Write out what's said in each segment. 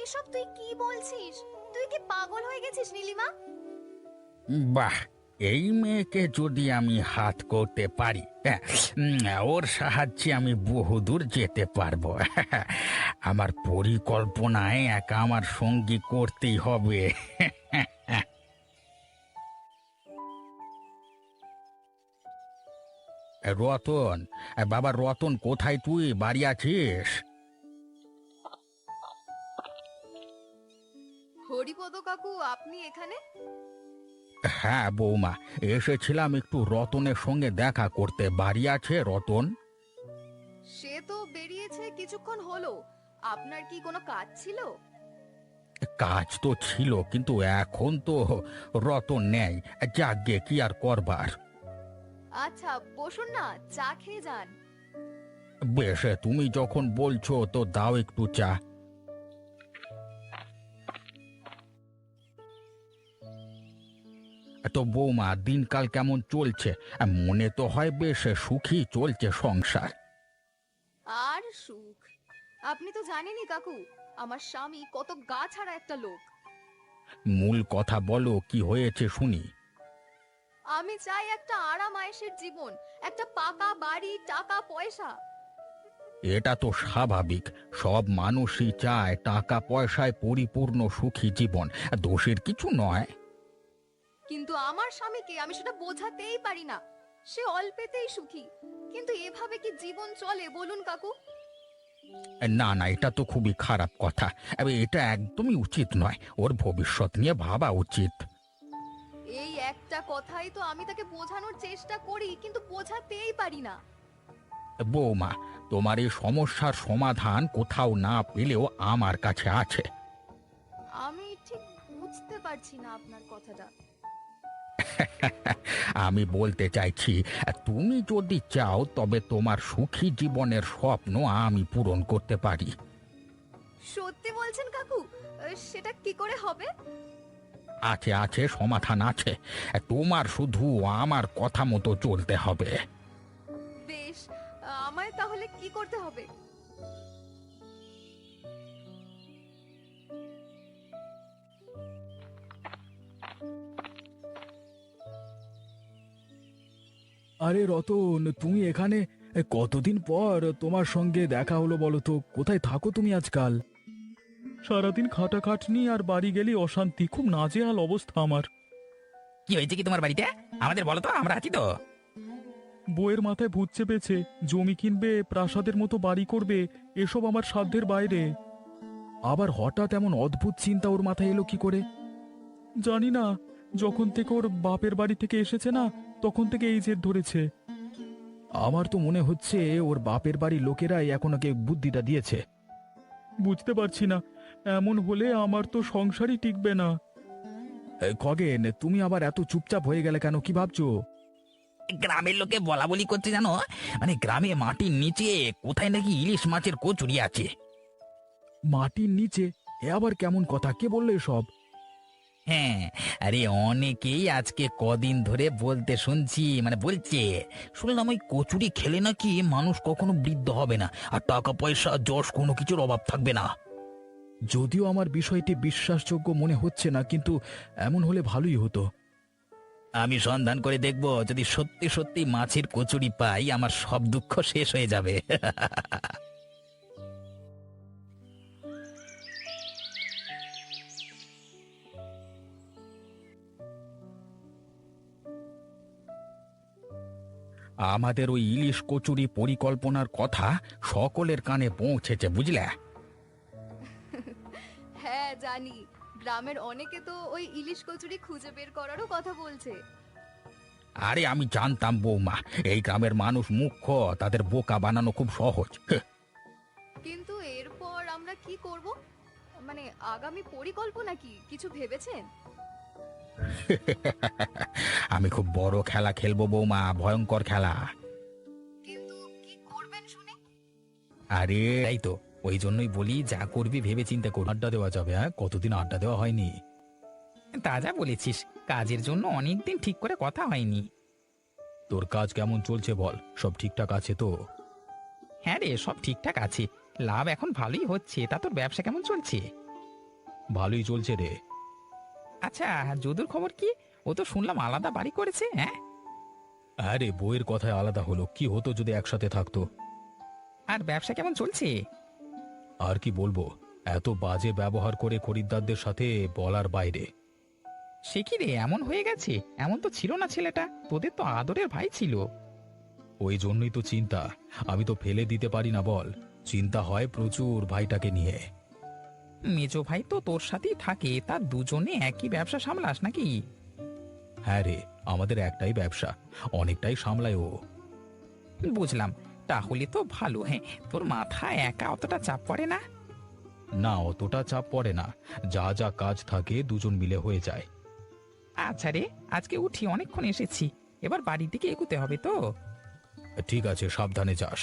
এসব তুই কি বলছিস? তুই কি পাগল হয়ে গেছিস নীলিমা? বাহ, এই মেয়েকে যদি আমি হাত করতে পারি, হ্যাঁ, ওর সাহায্যে আমি বহুদূর যেতে পারবো। আমার পরিকল্পনায় একা আমার সঙ্গী করতেই হবে। রতন, বাবা রতন, কোথায় তুই? বাড়ি আছিস? হরিপদ কাকু, আপনি এখানে? হ্যাঁ বৌমা, এসেছিলাম একটু রতনের সঙ্গে দেখা করতে। বাড়ি আছে রতন? সে তো বেরিয়েছে কিছুক্ষণ হলো। আপনার কি কোনো কাজ ছিল? কাজ তো ছিল, কিন্তু এখন তো রতন নেই। যাগ্গে কি আর করবার। আচ্ছা বসুন না, চা খেয়ে যান। বেশ, তুমি যখন বলছো তো দাও একটু চা। তো বৌমা, দিনকাল কেমন চলছে? মনে তো হয় বেশ সুখী চলছে সংসার। আর সুখ? আপনি তো জানেনই কাকু, আমার স্বামী কত গা ছাড়া একটা লোক। মূল কথা বলো, কি হয়েছে শুনি। আমি চাই একটা আরাম আয়েশের জীবন, একটা পাকা বাড়ি, টাকা পয়সা। এটা তো স্বাভাবিক, সব মানুষই চায় টাকা পয়সায় পরিপূর্ণ সুখী জীবন। দোষের কিছু নয়। কিন্তু আমার স্বামীকে আমি সেটা বোঝাতেই পারি না। সে অল্পেতেই সুখী, কিন্তু এভাবে কি জীবন চলে বলুন কাকু? না না, এটা তো খুবই খারাপ কথা। এটা একদমই উচিত নয়। ওর ভবিষ্যৎ নিয়ে ভাবা উচিত। এই একটা কথাই তো আমি তাকে বোঝানোর চেষ্টা করি, কিন্তু বোঝাতেই পারি না। বৌমা, তোমার এই সমস্যার সমাধান কোথাও না পেলেও আমার কাছে আছে। আমি ঠিক বুঝতে পারছি না আপনার কথাটা। আমি বলতে চাইছি, তুমি যদি চাও তবে তোমার সুখী জীবনের স্বপ্ন আমি পূরণ করতে পারি। সত্যি বলছেন কাকু? সেটা কি করে হবে? আছে আছে, সমাধান আছে। তোমার শুধু আমার কথা মতো চলতে হবে। বেশ, আমায় তাহলে কি করতে হবে? আরে রতন, তুমি এখানে? কতদিন পর তোমার সঙ্গে দেখা হলো বলো তো। কোথায় থাকো তুমি আজকাল? সারাদিন খাটাখাটনি আর বাড়ি গেলেই অশান্তি, খুব নাজেহাল অবস্থা আমার। কি হয়েছে কি তোমার বাড়িতে? আমাদের বলো তো, আমরা আছি তো। বইয়ের মাথায় ভূত চেপেছে, জমি কিনবে, প্রাসাদের মতো বাড়ি করবে, এসব আমার সাধ্যের বাইরে। আবার হঠাৎ এমন অদ্ভুত চিন্তা ওর মাথায় এলো কি করে জানি না। যখন থেকে ওর বাপের বাড়ি থেকে এসেছে না, তখন থেকে এই জেদ ধরেছে। আমার তো মনে হচ্ছে ওর বাপের বাড়ির লোকেরাই এখন ওকে বুদ্ধিটা দিয়েছে। বুঝতে পারছি না, এমন হলে আমার তো সংসারই টিকবে না। খগেন, তুমি আবার এত চুপচাপ হয়ে গেলে কেন? কি ভাবছো? গ্রামের লোকে বলা বলি করছে জানো, মানে গ্রামে মাটির নিচে কোথায় নাকি ইলিশ মাছের কচুরি আছে। মাটির নিচে? এ আবার কেমন কথা? কে বললো এসব? হ্যাঁ, আরে অনেকেই আজকে কদিন ধরে বলতে শুনছি, মানে বলছে। শুনলাম ওই কচুরি খেলে নাকি মানুষ কখনো বৃদ্ধ হবে না, আর টাকা পয়সা যশ কোনো কিছুর অভাব থাকবে না। যদিও আমার বিষয়টি বিশ্বাসযোগ্য মনে হচ্ছে না, কিন্তু এমন হলে ভালোই হতো। আমি সন্ধান করে দেখব, যদি সত্যি সত্যি মাছের কচুরি পাই আমার সব দুঃখ শেষ হয়ে যাবে। আমাদের ওই ইলিশ কচুরি পরিকল্পনার কথা সকলের কানে পৌঁছেছে, বুঝলে? হ্যাঁ জানি, গ্রামের অনেকে তো ওই ইলিশ কচুরি খুঁজে বের করারও কথা বলছে। আরে আমি জানতাম বৌমা, এই গ্রামের মানুষ মুখ্য, তাদের বোকা বানানো খুব সহজ। কিন্তু এরপর আমরা কি করব? মানে আগামী পরিকল্পনা কি কিছু ভেবেছেন? আমি খুব বড় খেলা খেলবো বৌমা, ভয়ঙ্কর খেলা। কিন্তু কি করবেন শুনি? আরে তাই তো, ওই জন্যই বলি যা করবি ভেবে চিন্তে কর। আড্ডা দেওয়া যাবে? হ্যাঁ, কতদিন আড্ডা দেওয়া হয়নি। তা যা বলেছিস, কাজের জন্য অনেকদিন ঠিক করে কথা হয়নি। তোর কাজ কেমন চলছে বল? সব ঠিকঠাক আছে তো? হ্যাঁ রে, সব ঠিকঠাক আছে। লাভ এখন ভালোই হচ্ছে। তা তোর ব্যবসা কেমন চলছে? ভালোই চলছে রে। আচ্ছা, যদুর খবর কি? ও তো শুনলাম আলাদা বাড়ি করেছে, হ্যাঁ? হ্যাঁ রে, বইয়ের কথায় আলাদা হলো, কি হতো যদি একসাথে থাকতো। আর ব্যবসা কেমন চলছে? আর কি বলবো, এত বাজে ব্যবহার করে খরিদ্দারদের সাথে বলার বাইরে। সে কি রে, এমন হয়ে গেছে? এমন তো ছিল না ছেলেটা, তোদের তো আদরের ভাই ছিল। ওই জন্যই তো চিন্তা, আমি তো ফেলে দিতে পারি না বল, চিন্তা হয় প্রচুর ভাইটাকে নিয়ে। মেজো ভাই তো তোর সাথেই থাকে, তা দুজনে একই ব্যবসা সামলাস নাকি? হ্যাঁ রে, আমাদের একটাই ব্যবসা, অনেকটাই সামলায় ও। বুঝলাম, তাহলে তো ভালো। হ্যাঁ, তোর মাথায় একা অতটা চাপ পড়ে না? না, অতটা চাপ পড়ে না, যা যা কাজ থাকে দুজন মিলে হয়ে যায়। আচ্ছা রে, আজকে উঠি, অনেকক্ষণ এসেছি, এবার বাড়ির দিকে এগুতে হবে তো। ঠিক আছে, সাবধানে যাস।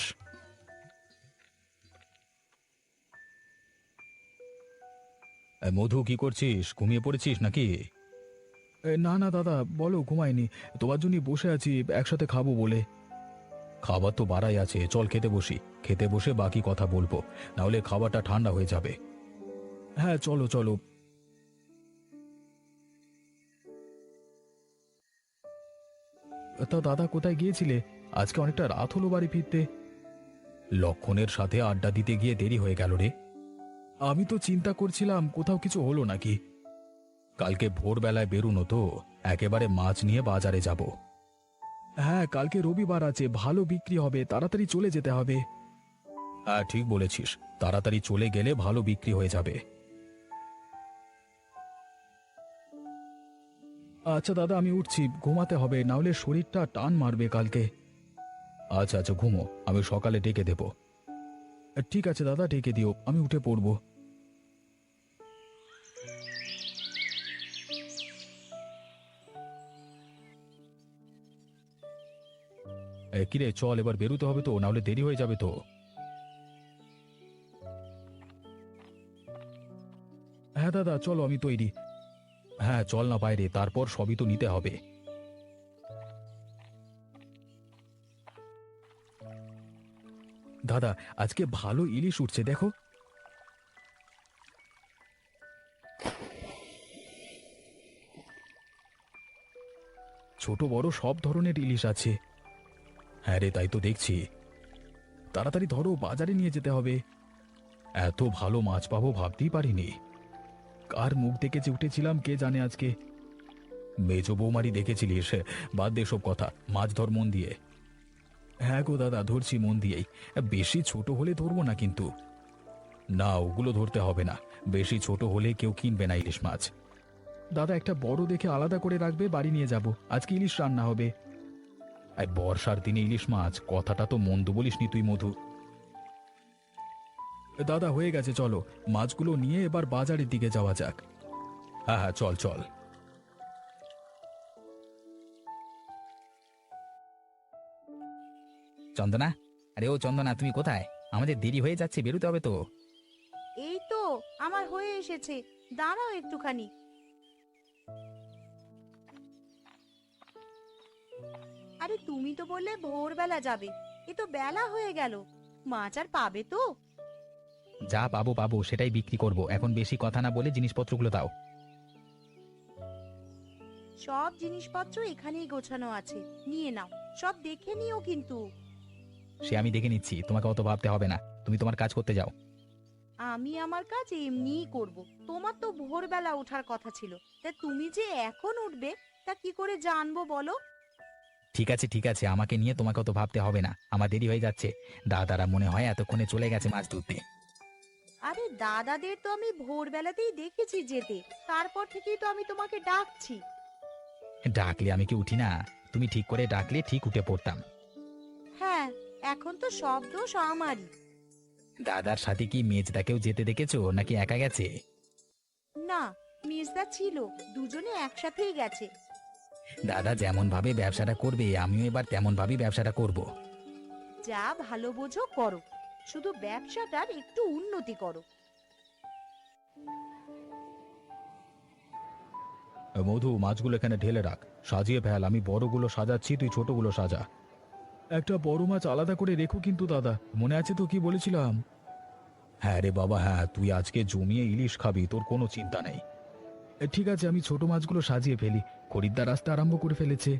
মধু, কি করছিস? ঘুমিয়ে পড়েছিস নাকি? না না দাদা, বলো, ঘুমাইনি, তোমার জন্য বসে আছি, একসাথে খাবো বলে। খাবার তো বাড়াই আছে, চল খেতে বসি, খেতে বসে বাকি কথা বলবো, না হলে খাবারটা ঠান্ডা হয়ে যাবে। হ্যাঁ চলো চলো। তা দাদা, কোথায় গিয়েছিলে? আজকে অনেকটা রাত হলো বাড়ি ফিরতে। লক্ষণের সাথে আড্ডা দিতে গিয়ে দেরি হয়ে গেল রে। আমি তো চিন্তা করছিলাম কোথাও কিছু হলো নাকি। কালকে ভোরবেলায় বেরুনো তো, একেবারে মাছ নিয়ে বাজারে যাব। হ্যাঁ, কালকে রবিবার আছে, ভালো বিক্রি হবে, তাড়াতাড়ি চলে যেতে হবে। হ্যাঁ ঠিক বলেছিস, তাড়াতাড়ি চলে গেলে ভালো বিক্রি হয়ে যাবে। আচ্ছা দাদা, আমি উঠছি, ঘুমাতে হবে, না হলে শরীরটা টান মারবে কালকে। আচ্ছা আচ্ছা, ঘুমো, আমি সকালে ডেকে দেব। ঠিক আছে দাদা, ডেকে দিও, আমি উঠে পড়ব। কিরে, চল, এবার বেরোতে হবে তো, না হলে দেরি হয়ে যাবে তো। হ্যাঁ দাদা, চলো, আমি তৈরি। হ্যাঁ চল না বাইরে, তারপর সবই তো নিতে হবে। দাদা, আজকে ভালো ইলিশ উঠছে, দেখো। ছোট বড় সব ধরনের ইলিশ আছে। হ্যাঁ রে, তাই তো দেখছি। তাড়াতাড়ি ধরো, বাজারে নিয়ে যেতে হবে। এত ভালো মাছ পাবো ভাবতেই পারিনি। কার মুখ দেখে যে উঠেছিলাম কে জানে আজকে। মেজো বৌমারি দেখেছিলিস? বাদ দে সব কথা, মাছ ধর মন দিয়ে। হ্যাঁ গো দাদা, ধরছি মন দিয়েই। বেশি ছোট হলে ধরবো না কিন্তু। না, ওগুলো ধরতে হবে না, বেশি ছোট হলে কেউ কিনবে না ইলিশ মাছ। দাদা, একটা বড় দেখে আলাদা করে রাখবে, বাড়ি নিয়ে যাব, আজকে ইলিশ রান্না হবে। আর বর্ষার দিনে ইলিশ মাছ, কথাটা তো মন্দ বলিসনি তুই মধু। দাদা, হয়ে গেছে, চলো, মাছগুলো নিয়ে এবার বাজারের দিকে যাওয়া যাক। হ্যাঁ হ্যাঁ, চল চল। চন্দনা, আরে ও চন্দনা, তুমি কোথায়? আমাদের দেরি হয়ে যাচ্ছে, বেরোতে হবে তো। এই তো আমার হয়ে এসেছে, দাঁড়াও একটুখানি। আরে তুমি তো বললে ভোরবেলা যাবে, এ তো বেলা হয়ে গেল, মাছ আর পাবে তো? যা পাবো পাবো, সেটাই বিক্রি করব, এখন বেশি কথা না বলে জিনিসপত্রগুলো দাও। সব জিনিসপত্র এখানেই গোছানো আছে, নিয়ে নাও, সব দেখে নিও কিন্তু। সে আমি দেখে নিচ্ছি, তোমাকে অত ভাবতে হবে না, তুমি তোমার কাজ করতে যাও। আমি আমার কাজ এমনিই করব, তোমার তো ভোরবেলা ওঠার কথা ছিল, তা তুমি যে এখন উঠবে তা কি করে জানবো বলো? ঠিক আছে ঠিক আছে, আমাকে নিয়ে তোমাকে অত ভাবতে হবে না, আমার দেরি হয়ে যাচ্ছে। দাদারা মনে হয় এতক্ষণে চলে গেছে মাছ ধরতে। আরে দাদাদের তো আমি ভোরবেলাতেই দেখেছি যেতে, তারপর থেকেই তো আমি তোমাকে ডাকছি। ডাকলে আমি কি উঠি না? তুমি ঠিক করে ডাকলে ঠিক উঠে পড়তাম। হ্যাঁ, এখন তো সব দোষ আমারই। দাদার সাথে কি মেজদাকেও যেতে দেখেছো নাকি একা গেছে? না, মির্জা ছিল, দুজনে একসাথেই গেছে। দাদা যেমন ভাবে ব্যবসাটা করবে, আমিও এবার তেমন ভাবেই ব্যবসাটা করব। যা ভালো বোঝো করো, শুধু ব্যবসাটার একটু উন্নতি করো। মধু, মাছগুলো এখানে ঢেলে রাখ, সাজিয়ে ফেল, আমি বড়গুলো সাজাচ্ছি, তুই ছোটগুলো সাজা। একটা বড় মাছ আলাদা করে রেখো কিন্তু দাদা, মনে আছে তো কি বলেছিলাম? হ্যাঁ রে বাবা, হ্যাঁ, তুই আজকে জমিয়ে ইলিশ খাবি, তোর কোনো চিন্তা নেই। ঠিক আছে, আমি ছোট মাছগুলো সাজিয়ে ফেলি, খরিদ্দার আসতে আরম্ভ করে ফেলেছে।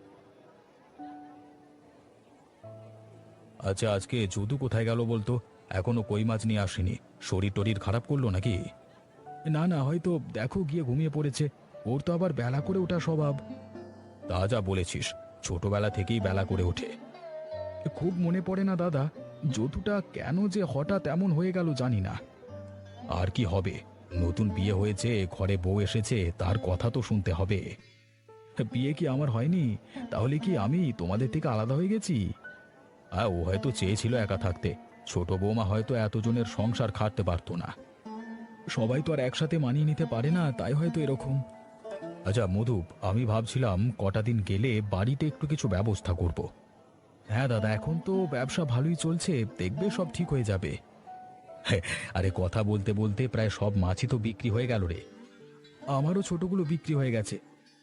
আচ্ছা, আজকে যদু কোথায় গেল বলতো? এখনো কই মাছ নিয়ে আসেনি। শরীর টরির খারাপ করলো নাকি? না না, হয়তো দেখো গিয়ে ঘুমিয়ে পড়েছে। ওর তো আবার বেলা করে ওঠা স্বভাব। তা যা বলেছিস, ছোটবেলা থেকেই বেলা করে ওঠে। খুব মনে পড়ে না দাদা, যদুটা কেন যে হঠাৎ এমন হয়ে গেল জানি না। আর কি হবে, নতুন বিয়ে হয়েছে, ঘরে বউ এসেছে, তার কথা তো শুনতে হবে। বিয়ে কি আমার হয়নি? তাহলে কি আমি তোমাদের থেকে আলাদা হয়ে গেছি? ও হয়তো চেয়েছিল একা থাকতে। ছোট বৌমা হয়তো এতজনের সংসার খাটতে পারতো না। সবাই তো আর একসাথে মানিয়ে নিতে পারে না, তাই হয়তো এরকম। আচ্ছা মধুপ, আমি ভাবছিলাম কটা দিন গেলে বাড়িতে একটু কিছু ব্যবস্থা করব। হ্যাঁ দাদা, এখন তো ব্যবসা ভালোই চলছে, দেখবে সব ঠিক হয়ে যাবে। হ্যাঁ, আরে কথা বলতে বলতে প্রায় সব মাছই তো বিক্রি হয়ে গেল রে। আমারও ছোটগুলো বিক্রি হয়ে গেছে।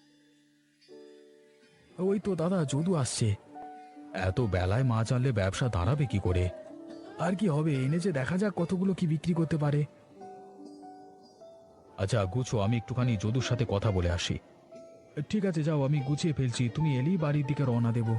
ওই তো দাদা, যদু আসছে। এত বেলায় মাছ আনলে ব্যবসা দাঁড়াবে কি করে? আর কি হবে, এনেছে, দেখা যাক কতগুলো কি বিক্রি করতে পারে। আচ্ছা গুছো, আমি একটুখানি যদুর সাথে কথা বলে আসি। ঠিক আছে, যাও, আমি গুছিয়ে ফেলছি, তুমি এলেই বাড়ির দিকে রওনা দেব।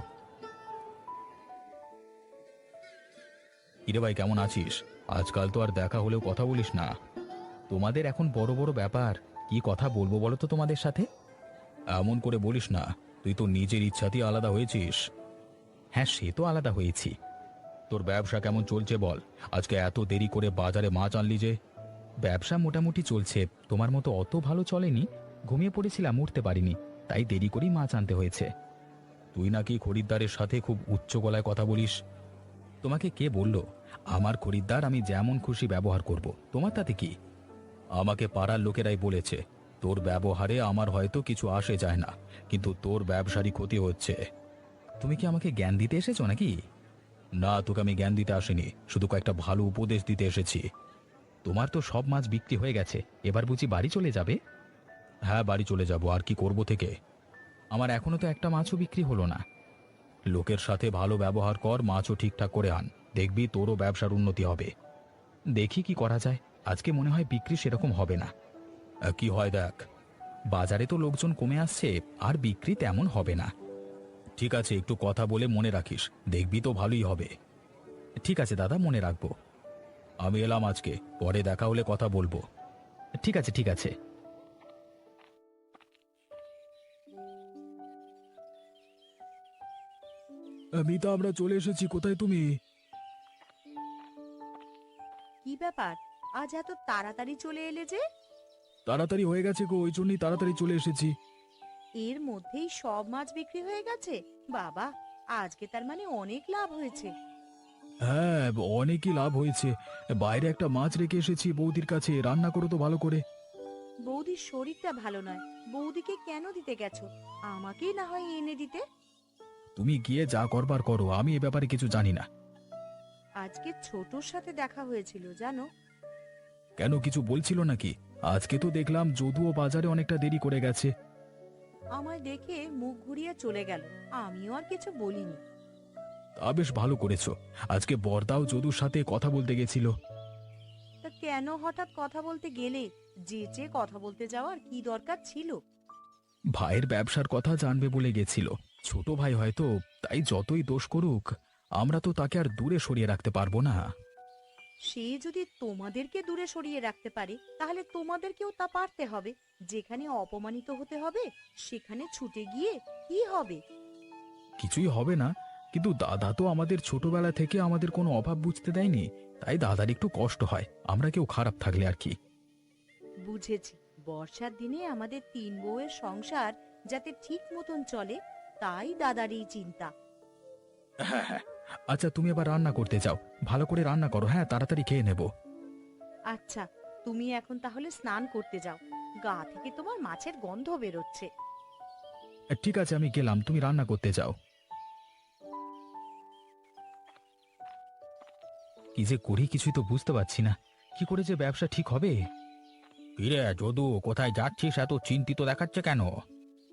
কিরে ভাই, কেমন আছিস? আজকাল তো আর দেখা হলেও কথা বলিস না। তোমাদের এখন বড় বড় ব্যাপার, কি কথা বলবো বলো তো তোমাদের সাথে? এমন করে বলিস না, তুই তো নিজের ইচ্ছাতেই আলাদা হয়েছিস। হ্যাঁ, সে তো আলাদা হয়েছি। তোর ব্যবসা কেমন চলছে বল? আজকে এত দেরি করে বাজারে মাছ আনলি যে? ব্যবসা মোটামুটি চলছে, তোমার মতো অত ভালো চলেনি। ঘুমিয়ে পড়েছিলাম, উঠতে পারিনি, তাই দেরি করেই মাছ আনতে হয়েছে। তুই নাকি খরিদ্দারের সাথে খুব উচ্চ গলায় কথা বলিস। তোমাকে কে বলল? আমার খরিদ্দার, আমি যেমন খুশি ব্যবহার করব, তোমার তাতে কি? আমাকে পাড়ার লোকেরাই বলেছে, তোর ব্যবহারে আমার হয়তো কিছু আসে যায় না, কিন্তু তোর ব্যবসারই ক্ষতি হচ্ছে। তুমি কি আমাকে জ্ঞান দিতে এসেছো নাকি? না, তোকে আমি জ্ঞান দিতে আসিনি, শুধু কয়েকটা ভালো উপদেশ দিতে এসেছি। তোমার তো সব মাছ বিক্রি হয়ে গেছে, এবার বুঝি বাড়ি চলে যাবে? হ্যাঁ, বাড়ি চলে যাব, আর কি করব থেকে। আমার এখনো তো একটা মাছও বিক্রি হলো না। লোকের সাথে ভালো ব্যবহার কর, মাছও ঠিকঠাক করে আন, দেখবি তোরও ব্যবসার উন্নতি হবে। দেখি কি করা যায়, আজকে মনে হয় বিক্রি সেরকম হবে না। কি হয় দেখ, বাজারে তো লোকজন কমে আসছে, আর বিক্রি তেমন হবে না। ঠিক আছে, একটু কথা বলে মনে রাখিস, দেখবি তো ভালোই হবে। ঠিক আছে দাদা, মনে রাখবো। আমি এলাম আজকে, পরে দেখা হলে কথা বলবো। ঠিক আছে, ঠিক আছে। মিতা, আমরা চলে এসেছি, কোথায় তুমি? কি ব্যাপার, আজ এত তাড়াতাড়ি চলে এলে যে? তাড়াতাড়ি হয়ে গেছে গো, ওই জন্যই তাড়াতাড়ি চলে এসেছি। এর মধ্যেই সব মাছ বিক্রি হয়ে গেছে? বাবা, আজকে তার মানে অনেক লাভ হয়েছে। হ্যাঁ, অনেকই লাভ হয়েছে। বাইরে একটা মাছ রেখে এসেছি বৌদির কাছে, রান্না করো তো ভালো করে। বৌদির শরীরটা ভালো নয়, বৌদিকে কেন দিতে গেছো? আমাকেই না হয় এনে দিতে। তুমি গিয়ে যা করবার করো, আমি এ ব্যাপারে কিছু জানি না। আজকে ছোটর সাথে দেখা হয়েছিল জানো। কেন, কিছু বলছিল নাকি? আজকে তো দেখলাম যদুও বাজারে অনেকটা দেরি করে গেছে। আমায় দেখে মুখ ঘুরিয়ে চলে গেল, আমিও আর কিছু বলিনি। তা বেশ ভালো করেছো। আজকে বরদাও যদুর সাথে কথা বলতে গেছিল। তা কেন হঠাৎ কথা বলতে গেলে? যে কথা বলতে যাওয়ার কি দরকার ছিল? ভাইয়ের ব্যবসার কথা জানবে বলে গেছিল। ছোট ভাই হয়তো, তাই যতই দোষ করুক, আমরা তো তাকে আর দূরে সরিয়ে রাখতে পারবো না। সে যদি তোমাদেরকে দূরে সরিয়ে রাখতে পারে, তাহলে তোমাদেরকেও তা পারতে হবে। যেখানে অপমানিত হতে হবে, সেখানে ছুটে গিয়ে কি হবে? কিছুই হবে না, কিন্তু দাদা তো আমাদের ছোটবেলা থেকে আমাদের কোনো অভাব বুঝতে দেয়নি, তাই দাদার একটু কষ্ট হয়, আমরা কেউ খারাপ থাকলে আর কি। বুঝেছি, বর্ষার দিনে আমাদের তিন বউয়ের সংসার যাতে ঠিক মতন চলে, তাই দাদার এই চিন্তা। হ্যাঁ হ্যাঁ, আচ্ছা তুমি এবার রান্না করতে যাও, ভালো করে রান্না করো, হ্যাঁ, তাড়াতাড়ি খেয়ে নেব। আচ্ছা, তুমি এখন তাহলে স্নান করতে যাও, গা থেকে তোমার মাছের গন্ধ বেরোচ্ছে। ঠিক আছে, আমি গেলাম, তুমি রান্না করতে যাও। কি যে করি কিছুই তো বুঝতে পারছি না, কি করে যে ব্যবসা ঠিক হবে। কিরে যদু, কোথায় যাচ্ছিস? এত চিন্তিত দেখাচ্ছে কেন?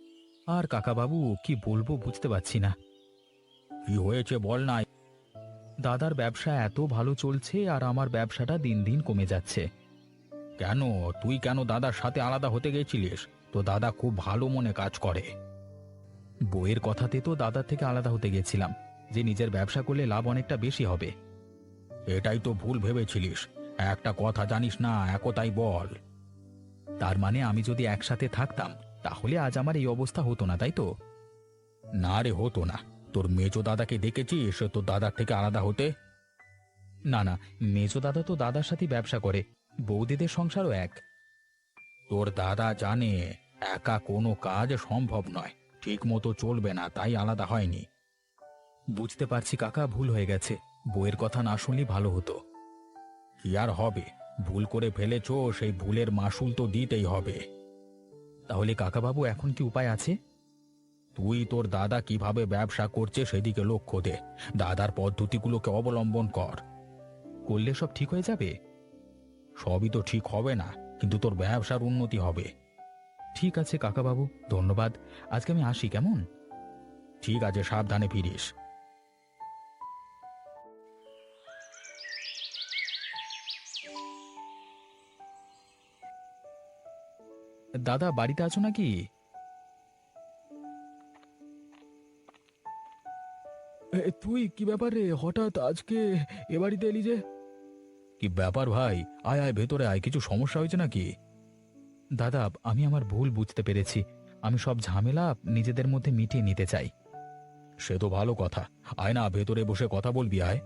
আর কাকা বাবু, কি বলবো বুঝতে পারছি না। কি হয়েছে বল না। দাদার ব্যবসা এত ভালো চলছে আর আমার ব্যবসাটা দিন দিন কমে যাচ্ছে। কেন, তুই কেন দাদার সাথে আলাদা হতে গেছিলিস? তো দাদা খুব ভালো মনে কাজ করে। বইয়ের কথাতে তো দাদার থেকে আলাদা হতে গেছিলাম, যে নিজের ব্যবসা করলে লাভ অনেকটা বেশি হবে। এটাই তো ভুল ভেবেছিলিস। একটা কথা জানিস না, একতাই বল। তার মানে আমি যদি একসাথে থাকতাম তাহলে আজ আমার এই অবস্থা হতো না, তাই তো? না রে, হতো না। তোর মেজো দাদাকে দেখেছিস তোর দাদার থেকে আলাদা হতে? না না, মেজো দাদা তো দাদার সাথে ব্যবসা করে, বৌদিদের সংসারও এক। তোর দাদা জানে একা কোনো কাজ সম্ভব নয়, ঠিক মতো চলবে না, তাই আলাদা হয়নি। বুঝতে পারছি কাকা, ভুল হয়ে গেছে। বইয়ের কথা না শুনলেই ভালো হতো। কি আর হবে, ভুল করে ফেলেছো, সেই ভুলের মাসুল তো দিতেই হবে। তাহলে কাকাবাবু এখন কি উপায় আছে? তুই তোর দাদা কিভাবে ব্যবসা করছে সেদিকে লক্ষ্য দে, দাদার পদ্ধতিগুলোকে অবলম্বন কর। করলে সব ঠিক হয়ে যাবে? সবই তো ঠিক হবে না, কিন্তু তোর ব্যবসার উন্নতি হবে। ঠিক আছে কাকাবাবু, ধন্যবাদ। আজকে আমি আসি, কেমন? ঠিক আছে, সাবধানে ফিরিস। দাদা বাড়িতে আছো নাকি? তুই কি ব্যাপার রে, হঠাৎ আজকে এ বাড়িতে এলি যে? কি ব্যাপার ভাই, আয় আয় ভেতরে আয়, কিছু সমস্যা হয়েছে নাকি? দাদা, আমি আমার ভুল বুঝতে পেরেছি। আমি সব ঝামেলা নিজেদের মধ্যে মিটিয়ে নিতে চাই। সে তো ভালো কথা, আয় না, ভেতরে বসে কথা বলবি, আয়।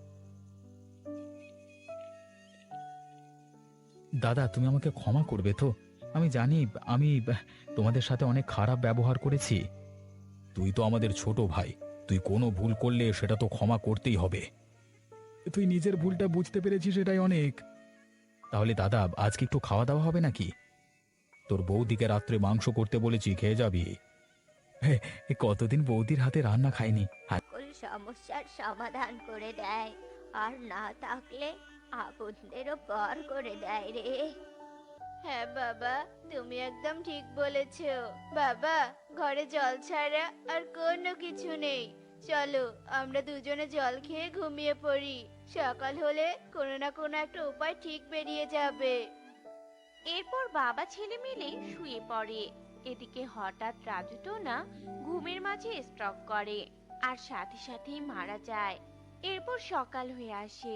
দাদা, তুমি আমাকে ক্ষমা করবে তো? আমি জানি আমি তোমাদের সাথে অনেক খারাপ ব্যবহার করেছি। তুই তো আমাদের ছোট ভাই, তুই কোনো ভুল করলে সেটা তো ক্ষমা করতেই হবে। তুই নিজের ভুলটা বুঝতে পেরেছিস, এটাই অনেক। তাহলে দাদা, আজকে একটু খাওয়া দাওয়া হবে নাকি? তোর বৌদিকে রাত্রে মাংস করতে বলেছি, খেয়ে যাবি। কতদিন বৌদির হাতে রান্না খাইনি। সকল সমস্যার সমাধান করে দেয়, আর না থাকলে আপনদেরও পর করে দেয় রে। হ্যাঁ বাবা, তুমি একদম ঠিক বলেছো। বাবা, ঘরে জল ছাড়া আর কোনো কিছু নেই। চলো আমরা দুজনে জল খেয়ে ঘুমিয়ে পড়ি, সকাল হলে কোনো না কোনো একটা উপায় ঠিক বেরিয়ে যাবে। এরপর বাবা ছেলে মিলে শুয়ে পড়ে। এদিকে হঠাৎ রাজু টোনা ঘুমের মাঝে স্ট্রোক করে আর সাথে সাথেই মারা যায়। এরপর সকাল হয়ে আসে।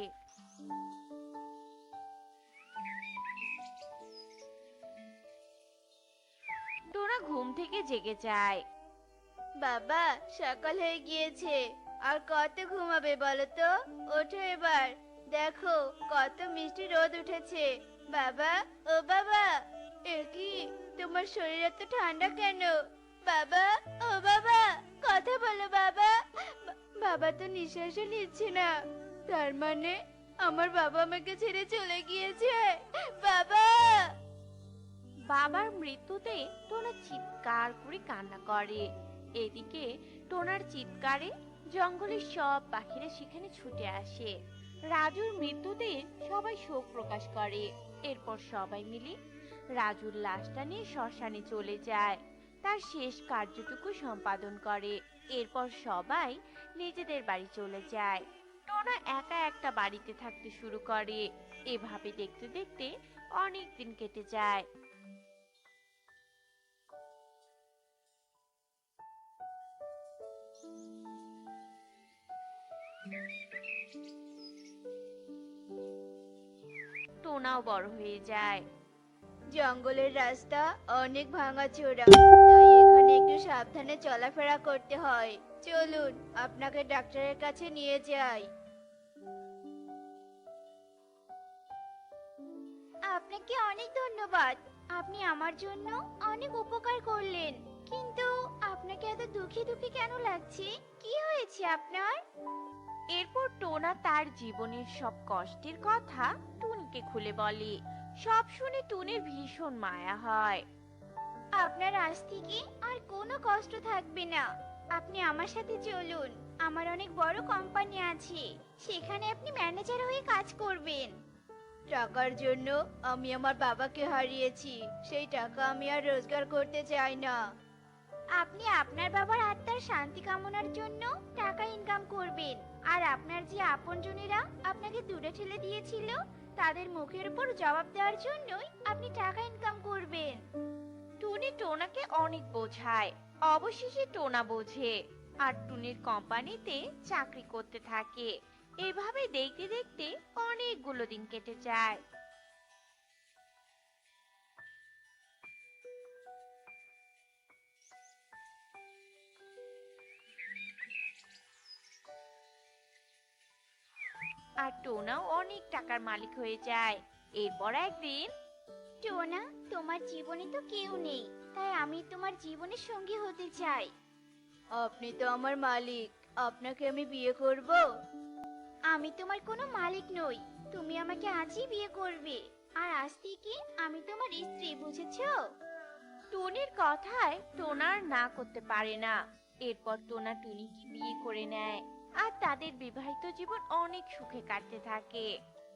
টোনা ঘুম থেকে জেগে যায়। বাবা, সকাল হয়ে গিয়েছে, আর কত ঘুমাবে বলো তো? ওঠো এবার, দেখো কত মিষ্টি রোদ উঠেছে। বাবা, ও বাবা, এ কি, তোমার শরীর এত ঠান্ডা কেন? বাবা, ও বাবা, কথা বলো বাবা। বাবা তো নিঃশ্বাসও নিচ্ছে না, তার মানে আমার বাবা আমাকে ছেড়ে চলে গিয়েছে। বাবা! বাবার মৃত্যুতে টোনা চিৎকার করে কান্না করে। এদিকে টোনার চিৎকারে জঙ্গলের সব পাখিরা সেখানে ছুটে আসে। রাজুর মৃত্যুতে সবাই শোক প্রকাশ করে। এরপর সবাই মিলে রাজুর লাশটা নিয়ে শ্মশানে চলে যায়, তার শেষ কার্যটুকু সম্পাদন করে। এরপর সবাই নিজেদের বাড়ি চলে যায়। টোনা একা একটা বাড়িতে থাকতে শুরু করে। এভাবে দেখতে দেখতে অনেক দিন কেটে যায়। টোনাও বড় হয়ে যায়। জঙ্গলের রাস্তা অনেক ভাঙাচোরা, তাই এখানে একটু সাবধানে চলাফেরা করতে হয়। চলুন আপনাকে ডাক্তারের কাছে নিয়ে যাই। আপনাকে অনেক ধন্যবাদ, আপনি আমার জন্য অনেক উপকার করলেন। কিন্তু আপনাকে এত দুঃখী দুঃখী কেন লাগছে? কি হয়েছে আপনার? এরপর টোনা তার জীবনের সব কষ্টের কথা টুনিকে খুলে বলে। সব শুনে টুনির ভীষণ মায়া হয়। আপনার আজ থেকে আর কোনো কষ্ট থাকবে না। আপনি আমার সাথে চলুন, আমার অনেক বড় কোম্পানি আছে, সেখানে আপনি ম্যানেজার হয়ে কাজ করবেন। টাকার জন্য আমি আমার বাবাকে হারিয়েছি, সেই টাকা আমি আর রোজগার করতে চাই না। আপনি আপনার বাবার আত্মার শান্তি কামনার জন্য টাকা ইনকাম করবেন, আর আপনার যে আপনজনেরা আপনাকে দূরে ঠেলে দিয়েছিল তাদের মুখের উপর জবাব দেওয়ার জন্যই আপনি টাকা ইনকাম করবেন। টুনি টোনাকে অনেক বোঝায়, অবশেষে টোনা বোঝে আর টুনির কোম্পানিতে চাকরি করতে থাকে। এভাবে দেখতে দেখতে অনেকগুলো দিন কেটে যায়। আর টোনাও অনেক টাকার মালিক হয়ে যায়। এরপর একদিন টোনা, তোমার জীবনে তো কেউ নেই, তাই আমি তোমার জীবনের সঙ্গী হতে চাই। আপনি তো আমার মালিক, আপনাকে আমি বিয়ে করব। আমি তোমার কোনো মালিক নই, তুমি আমাকে আজই বিয়ে করবে। আর আজ থেকে আমি তোমার স্ত্রী, বুঝেছো? টুনির কথায় টোনা আর না করতে পারে না। এরপর টোনা টুনিকে বিয়ে করে নেয় আর তাদের বিবাহিত জীবন অনেক সুখে কাটতে থাকে।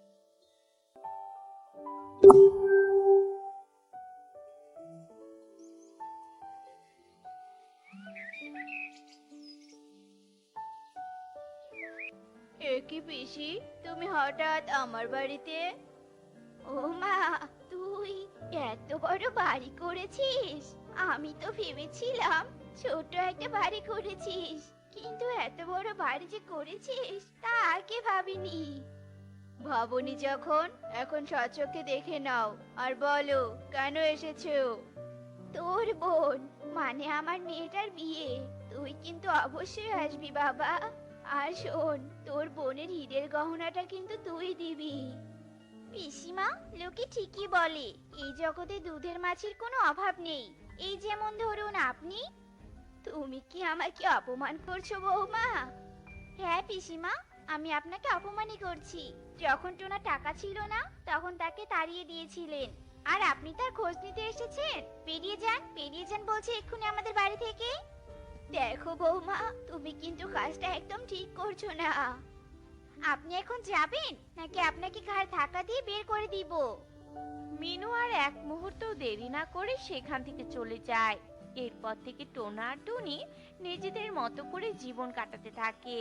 এ কি পিসি, তুমি হঠাৎ আমার বাড়িতে? ও মা, তুই এত বড় বাড়ি করেছিস! আমি তো ভেবেছিলাম ছোট একটা বাড়ি করেছিস, কিন্তু এত বড় বাড়ি যে করেছিস তা আগে ভাবিনি। ভাবনি যখন, এখন সচক্ষে দেখে নাও আর বলো কেন এসেছো। তোর বোন, মানে আমার মেয়েটার বিয়ে, তুই কিন্তু অবশ্যই আসবি বাবা। আর শোন, তোর বোনের হীরের গহনাটা কিন্তু তুই দিবি। পিসিমা, লোকে ঠিকই বলে এই জগতে দুধের মাছির কোনো অভাব নেই। এই যেমন ধরুন আপনি। তুমি কি আমাকে অপমান করছো বৌমা? হ্যাঁ পিসিমা, আমি আপনাকে অপমানই করছি। যখন টোনা টাকা ছিল না তখন তাকে তাড়িয়ে দিয়েছিলেন, আর আপনি তার খোঁজ নিতে এসেছেন। বেরিয়ে যান বলছি এক্ষুনি আমাদের বাড়ি থেকে। দেখো বৌমা, তুমি কিন্তু কাজটা একদম ঠিক করছো না। আপনি এখন যাবেন নাকি আপনাকে ঘাড় ধাক্কা দিয়ে বের করে দিব? মিনু আর এক মুহূর্ত দেরি না করে সেখান থেকে চলে যায়। এরপর থেকে টোনা আর টুনি নিজেদের মতো করে জীবন কাটাতে থাকে।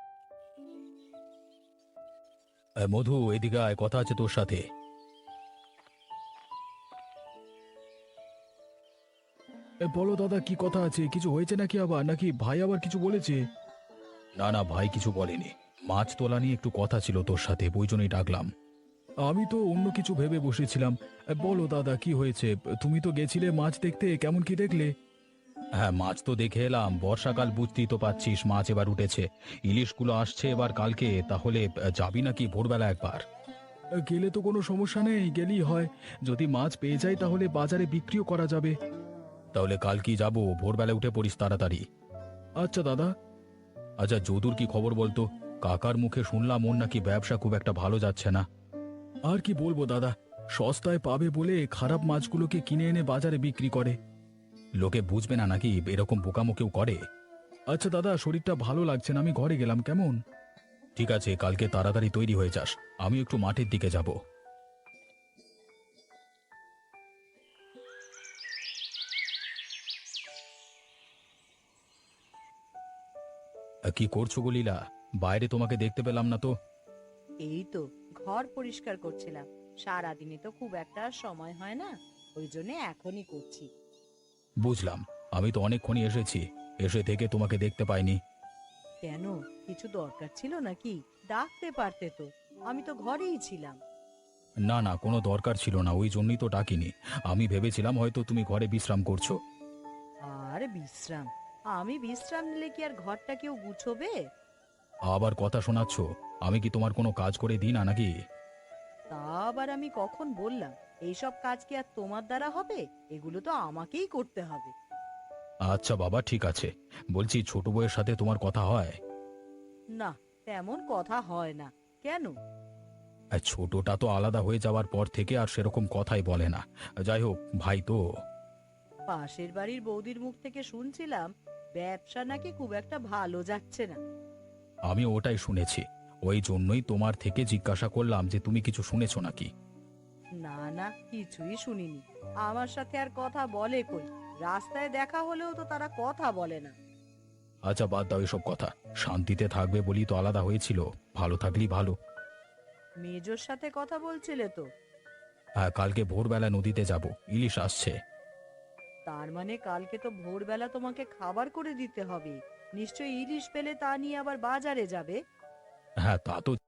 মধু, এদিকে আয়, কথা আছে তোর সাথে। বলো দাদা, কি কথা আছে? কিছু হয়েছে নাকি আবার, নাকি ভাই আবার কিছু বলেছে? না না, ভাই কিছু বলেনি। মাছ তোলা নিয়ে একটু কথা ছিল তোর সাথে, ওই জন্যই ডাকলাম। আমি তো অন্য কিছু ভেবে বসেছিলাম। বলো দাদা, কি হয়েছে? তুমি তো গেছিলে মাছ দেখতে, কেমন কি দেখলে? হ্যাঁ, মাছ তো দেখে এলাম। বর্ষাকাল, বুঝতেই তো পাচ্ছিস, মাছ এবার উঠেছে। ইলিশগুলো আসছে এবার কালকে। তাহলে যাবি নাকি ভোরবেলা একবার? গেলে তো কোনো সমস্যা নেই, গেলেই হয়। যদি মাছ পেয়ে যাই তাহলে বাজারে বিক্রিও করা যাবে। তাহলে কাল কি যাবো? ভোরবেলা উঠে পড়িস তাড়াতাড়ি। আচ্ছা দাদা। আচ্ছা, যদুর কি খবর বলতো? কাকার মুখে শুনলাম ওর নাকি ব্যবসা খুব একটা ভালো যাচ্ছে না। আর কি বলবো দাদা, সস্তায় পাবে বলে খারাপ মাছগুলোকে কিনে এনে বাজারে বিক্রি করে। লোকে বুঝবে না নাকি এরকম বোকামো কেউ করে? আচ্ছা দাদা, শরীরটা ভালো লাগছে না, আমি ঘরে গেলাম, কেমন? ঠিক আছে, কালকে তাড়াতাড়ি তৈরি হয়ে যাস। আমি একটু মাঠের দিকে যাব। কি করছো গো লীলা? বাইরে তোমাকে দেখতে পেলাম না তো। এই তো ঘর পরিষ্কার করছিলাম। সারাদিনে তো খুব একটা সময় হয় না, ওই জন্য এখনই করছি। বুঝলাম। আমি তো অনেকক্ষণই এসেছি, এসে থেকে তোমাকে দেখতে পাইনি। কেন, কিছু দরকার ছিল নাকি? ডাকতে পারতে তো, আমি তো ঘরেই ছিলাম। না না, কোনো দরকার ছিল না, ওই জন্যই তো ডাকিনি। আমি ভেবেছিলাম হয়তো তুমি ঘরে বিশ্রাম করছো। আর বিশ্রাম? আমি বিশ্রাম নিলে কি আর ঘরটা কেউ গুছোবে? আবার কথা শোনাচ্ছ? আমি কি তোমার কোনো কাজ করে দিই না নাকি? তা আবার আমি কখন বললাম? এইসব কাজ কি আর তোমার দ্বারা হবে? এগুলো তো আমাকেই করতে হবে। আচ্ছা বাবা, ঠিক আছে। বলছি, ছোট বউয়ের সাথে তোমার কথা হয়? না, তেমন কথা হয় না। কেন? ছোটটা তো আলাদা হয়ে যাওয়ার পর থেকে আর সেরকম কথাই বলে না। যাই হোক, ভাই তো। পাশের বাড়ির বৌদির মুখ থেকে শুনছিলাম ব্যবসা নাকি খুব একটা ভালো যাচ্ছে না। আমি ওটাই শুনেছি, ওই জন্যই তোমার থেকে জিজ্ঞাসা করলাম যে তুমি কিছু শুনেছো নাকি। না না, কিছুই শুনিনি। আমার সাথে আর কথা বলে কই? রাস্তায় দেখা হলেও তো তারা কথা বলে না। আচ্ছা বাদ দাও এসব কথা, শান্তিতে থাকবে বলি তো আলাদা হয়েছিল, ভালো থাকলেই ভালো। মেজোর সাথে কথা বলছিলে তো? হ্যাঁ, কালকে ভোরবেলা নদীতে যাব, ইলিশ আসছে। তার মানে কালকে তো ভোরবেলা তোমাকে খাবার করে দিতে হবে। নিশ্চয়ই ইলিশ পেলে তা নিয়ে আবার বাজারে যাবে। হ্যাঁ তা তো